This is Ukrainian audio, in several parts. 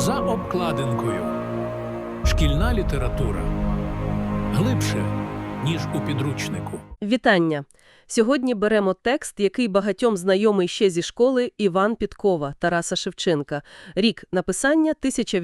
За обкладинкою. Шкільна література. Глибше, ніж у підручнику. Вітання! Сьогодні беремо текст, який багатьом знайомий ще зі школи, Іван Підкова, Тараса Шевченка. Рік написання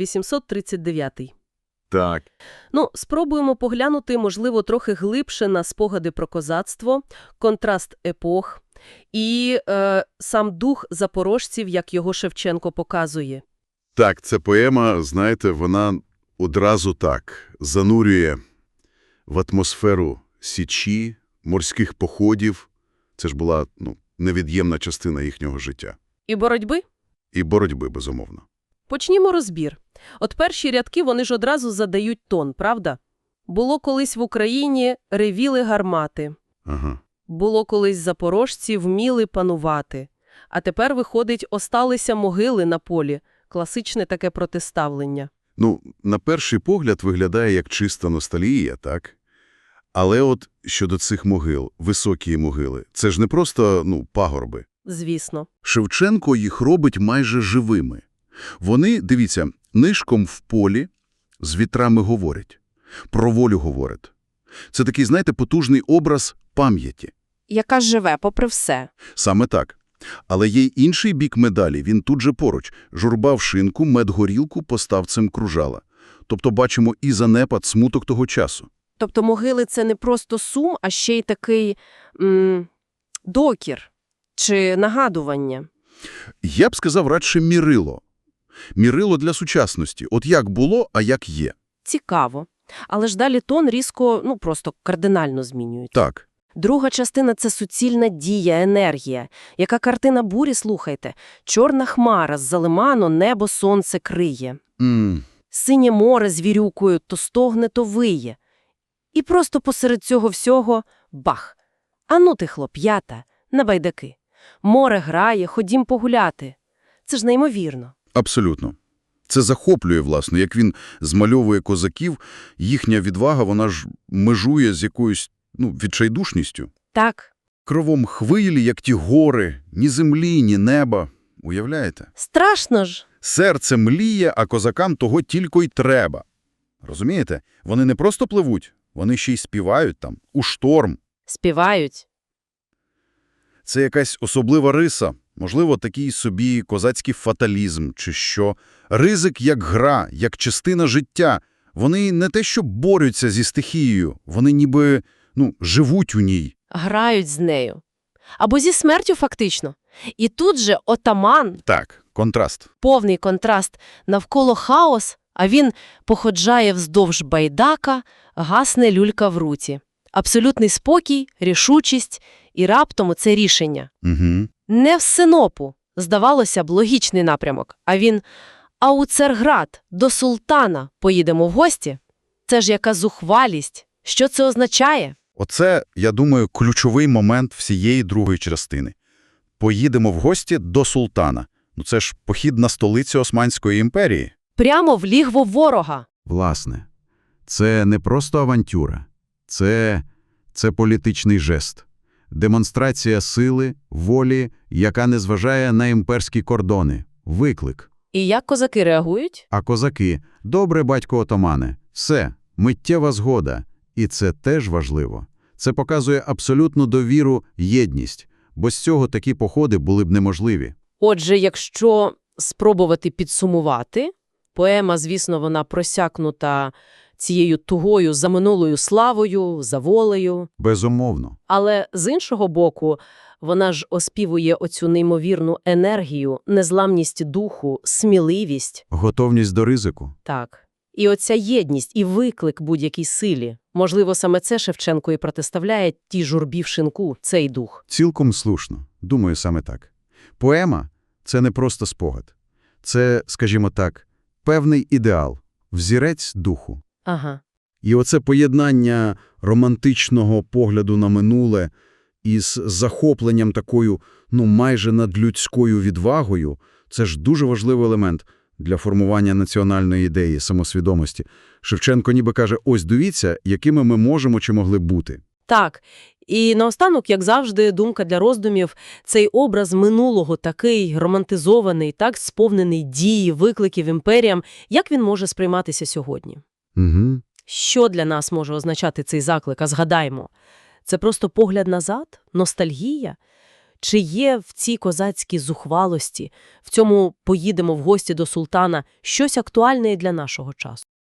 1839. Так. Спробуємо поглянути, можливо, трохи глибше на спогади про козацтво, контраст епох і сам дух запорожців, як його Шевченко показує. Так, ця поема, знаєте, вона одразу так занурює в атмосферу Січі, морських походів. Це ж була невід'ємна частина їхнього життя. І боротьби? І боротьби, безумовно. Почнімо розбір. От перші рядки, вони ж одразу задають тон, правда? Було колись в Україні ревіли гармати. Ага. Було колись запорожці вміли панувати. А тепер, виходить, осталися могили на полі. Класичне таке протиставлення. На перший погляд виглядає як чиста ностальгія, так? Але от щодо цих могил, високі могили, це ж не просто, пагорби. Звісно. Шевченко їх робить майже живими. Вони, дивіться, нишком в полі з вітрами говорять, про волю говорять. Це такий, знаєте, потужний образ пам'яті. Яка живе попри все. Саме так. Але є й інший бік медалі, він тут же поруч. Журба в шинку, медгорілку поставцем кружала. Тобто бачимо і занепад, смуток того часу. Тобто могили – це не просто сум, а ще й такий докір чи нагадування. Я б сказав радше мірило. Мірило для сучасності. От як було, а як є. Цікаво. Але ж далі тон різко, просто кардинально змінюють. Так. Друга частина – це суцільна дія, енергія. Яка картина бурі, слухайте. Чорна хмара з-за лиману небо сонце криє. Синє море з вірюкою то стогне, то виє. І просто посеред цього всього – бах! Ану ти, хлоп'ята, на байдаки. Море грає, ходім погуляти. Це ж неймовірно. Абсолютно. Це захоплює, власне, як він змальовує козаків, їхня відвага, вона ж межує з якоюсь, відчайдушністю. Так. Кровом хвилі, як ті гори, ні землі, ні неба. Уявляєте? Страшно ж. Серце мліє, а козакам того тільки й треба. Розумієте? Вони не просто пливуть, вони ще й співають там, у шторм. Співають. Це якась особлива риса, можливо, такий собі козацький фаталізм чи що. Ризик як гра, як частина життя. Вони не те, що борються зі стихією, вони ніби, живуть у ній. Грають з нею. Або зі смертю фактично. І тут же отаман, Так, контраст. повний контраст, навколо хаос, а він походжає вздовж байдака, гасне люлька в руці. Абсолютний спокій, рішучість і раптом це рішення. Угу. Не в Синопу, здавалося б, логічний напрямок, а він «А у Царград, до султана поїдемо в гості?» Це ж яка зухвалість. Що це означає? Оце, я думаю, ключовий момент всієї другої частини. Поїдемо в гості до султана. Це ж похід на столицю Османської імперії. Прямо в лігво ворога. Власне, це не просто авантюра. Це політичний жест. Демонстрація сили, волі, яка не зважає на імперські кордони. Виклик. І як козаки реагують? А козаки – добре, батько отамане. Все, миттєва згода. І це теж важливо. Це показує абсолютну довіру, єдність. Бо з цього такі походи були б неможливі. Отже, якщо спробувати підсумувати, поема, звісно, вона просякнута цією тугою за минулою славою, за волею. Безумовно. Але з іншого боку, вона ж оспівує оцю неймовірну енергію, незламність духу, сміливість. Готовність до ризику. Так. І оця єдність і виклик будь-якій силі. Можливо, саме це Шевченко і протиставляє тій журбі в шинку, цей дух. Цілком слушно. Думаю, саме так. Поема – це не просто спогад. Це, скажімо так, певний ідеал, взірець духу. Ага. І оце поєднання романтичного погляду на минуле із захопленням такою, майже надлюдською відвагою – це ж дуже важливий елемент для формування національної ідеї, самосвідомості. Шевченко ніби каже, ось дивіться, якими ми можемо чи могли б бути. Так. І наостанок, як завжди, думка для роздумів. Цей образ минулого такий романтизований, так сповнений дії, викликів імперіям. Як він може сприйматися сьогодні? Угу. Що для нас може означати цей заклик? А згадаймо, це просто погляд назад? Ностальгія? Чи є в цій козацькій зухвалості, в цьому «поїдемо в гості до султана» щось актуальне і для нашого часу?